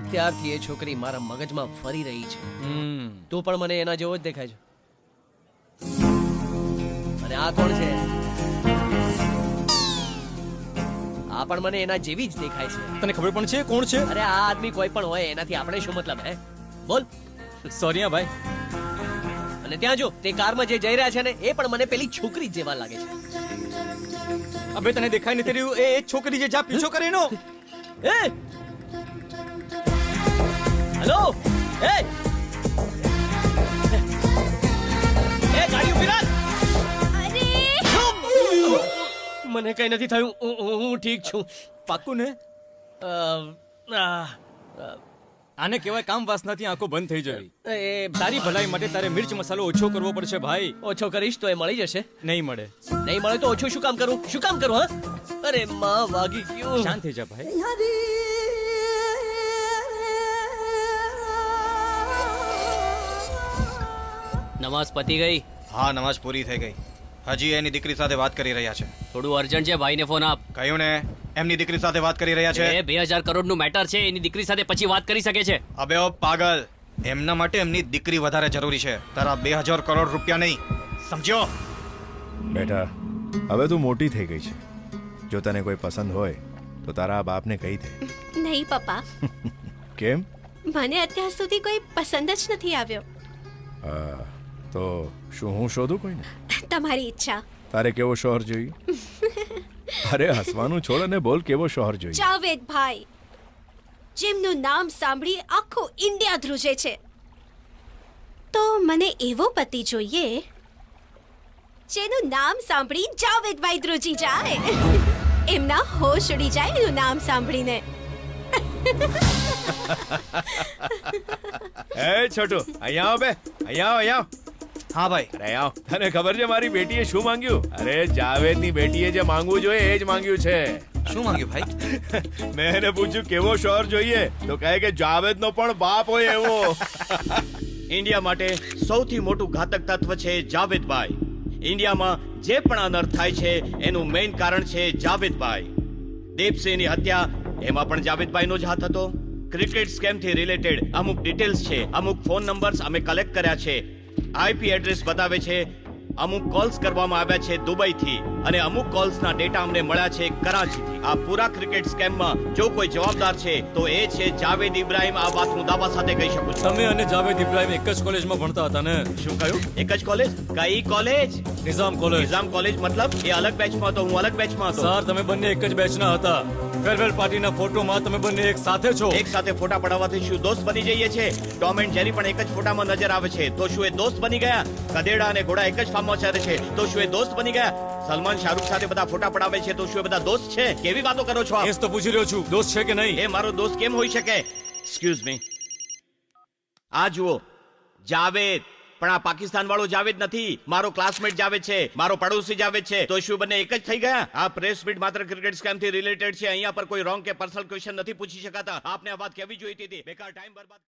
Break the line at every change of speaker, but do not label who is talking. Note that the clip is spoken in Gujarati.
ત્યારથી એ છોકરી મારા મગજમાં ફરી રહી છે. તું પણ મને એના જેવો જ દેખાય છે. અને આ કોણ છે? આ પણ મને એના જેવી જ દેખાય છે.
તને ખબર પણ છે કોણ છે?
અરે આ આદમી કોઈ પણ હોય, એનાથી આપણે શું મતલબ? હે બોલ.
સોરી હા ભાઈ.
અને ત્યાં જો તે કારમાં જે જઈ રહ્યા છે ને, એ પણ મને પેલી છોકરી જેવા લાગે છે.
અબે તને દેખાય નથી રહ્યું? એ છોકરી જે જા પીછો કરે એનો.
એ હેલો, એ ગાડી ઉભી રાખ. મને કઈ નથી થયું, હું ઠીક છું.
પાક્કું ને? આને કહેવાય કામ વાસનાથી આંખો બંધ થઈ જવી. તારી ભલાઈ માટે તારે મિર્ચ મસાલો ઓછો કરવો પડશે ભાઈ.
ઓછો કરીશ તો એ મળી જશે.
નહીં મળે.
નહીં મળે તો ઓછું શું કામ કરું? શું કામ કરું? હા, અરે માં વાગી ગયું.
શાંત થઈ જા ભાઈ.
નમાઝ પતી ગઈ?
હા, નમાઝ પૂરી થઈ ગઈ. હજી એની દીકરી સાથે વાત કરી રહ્યા છે.
થોડું અર્જન્ટ છે, ભાઈને ફોન આપ.
કહ્યું ને, એમની દીકરી સાથે વાત કરી રહ્યા છે.
એ 2000 કરોડનું મેટર છે, એની દીકરી સાથે પછી વાત કરી શકે છે.
અબે ઓ પાગલ, એમના માટે એમની દીકરી વધારે જરૂરી છે, તારા 2000 કરોડ રૂપિયા નહીં. સમજ્યો?
બેટા, હવે તું મોટી થઈ ગઈ છે. જો તને કોઈ પસંદ હોય તો તારા બાપને કહી દે.
નહીં પપ્પા,
કેમ?
મને અત્યાર સુધી કોઈ પસંદ જ નથી આવ્યો.
તો શું હું શોધું કોઈને?
તમારી ઈચ્છા.
તારે કેવો શોહર જોઈએ? અરે હસવાનું છોડ અને બોલ, કેવો શોહર જોઈએ?
જાવેદભાઈ, જેમનું નામ સાંભળી આખું ઇન્ડિયા ધ્રુજે છે. તો મને એવો પતિ જોઈએ જેનું નામ સાંભળી જાવેદભાઈ ધ્રુજી જાય. એમના હોશ ઉડી જાય એનું નામ સાંભળીને.
એ છોટુ, અહીંયા આવ બે. અહીંયા આવ, અહીંયા આવ.
હા ભાઈ.
અરે આવ. તને ખબર છે મારી બેટીએ શું માંગ્યું? અરે જાવેદની બેટીએ જે માંગવું જોઈએ એ જ માંગ્યું છે.
શું માંગ્યું ભાઈ?
મેં એને પૂછ્યું કેવો શોહર જોઈએ, તો કહે કે જાવેદનો પણ બાપ હોય એવો.
ઇન્ડિયા માટે સૌથી મોટું ઘાતક તત્વ છે જાવેદભાઈ. ઇન્ડિયામાં જે પણ અનર્થ થાય છે એનું મેઇન કારણ છે જાવેદભાઈ. દીપસિંહની હત્યા, એમાં પણ જાવેદભાઈનો જ હાથ હતો. ક્રિકેટ સ્કેમથી રિલેટેડ અમુક ડિટેલ્સ છે, અમુક ફોન નંબર્સ અમે કલેક્ટ કર્યા છે, આઈપી એડ્રેસ બતાવે છે. અમુક કોલ્સ કરવામાં આવ્યા છે દુબઈથી અને અમુક કોલ્સના ડેટા અમને મળ્યા છે કરાચીથી. આ પૂરા ક્રિકેટ સ્કેમમાં જો કોઈ જવાબદાર છે તો એ છે જાવેદ ઇબ્રાહિમ. આ વાત હું દાવા સાથે કહી શકું છું.
તમે અને જાવેદ ઇબ્રાહિમ એક જ કોલેજમાં ભણતા હતા ને?
શું કહ્યું? એક જ કોલેજ? કઈ college?
Nizam college.
Nizam college મતલબ? એ અલગ બેચમાં હતો, હું અલગ બેચમાં હતો.
સર, તમે બંને એક જ બેચના હતા. ફેરવેલ પાર્ટીના ફોટોમાં તમે બંને એક સાથે છો.
એક સાથે ફોટા પડાવવાથી શું દોસ્ત બની જઈએ છે? ટોમ એન્ડ જેરી પણ એક જ ફોટામાં નજર આવે છે, તો શું એ દોસ્ત બની ગયા? ગધેડા અને ઘોડા એક જ ફાર્મમાં ચરે છે, તો શું એ દોસ્ત બની ગયા? સલમાન શાહરુખ સાથે બધા ફોટા પડાવે છે, તો શું એ બધા દોસ્ત છે? કેવી વાતો કરો છો આપ?
એ જ તો પૂછી રહ્યો છું, દોસ્ત છે કે નહીં?
એ મારો દોસ્ત કેમ હોઈ શકે? Excuse me. આ જુઓ, જાવેદ. પણ આ પાકિસ્તાન વાળો જાવેદ નથી, મારો ક્લાસમેટ જાવેદ છે, મારો પડોશી જાવેદ છે. તો શું બંને એક જ થઈ ગયા? આ પ્રેસ મીટ માત્ર ક્રિકેટ સ્કેમ થી રિલેટેડ છે. અહીંયા પર કોઈ રોંગ કે પર્સનલ ક્વેશ્ચન નથી પૂછી શકાતા. આપને આ વાત કેવી જોઈતી હતી? બેકાર ટાઈમ બરબાદ.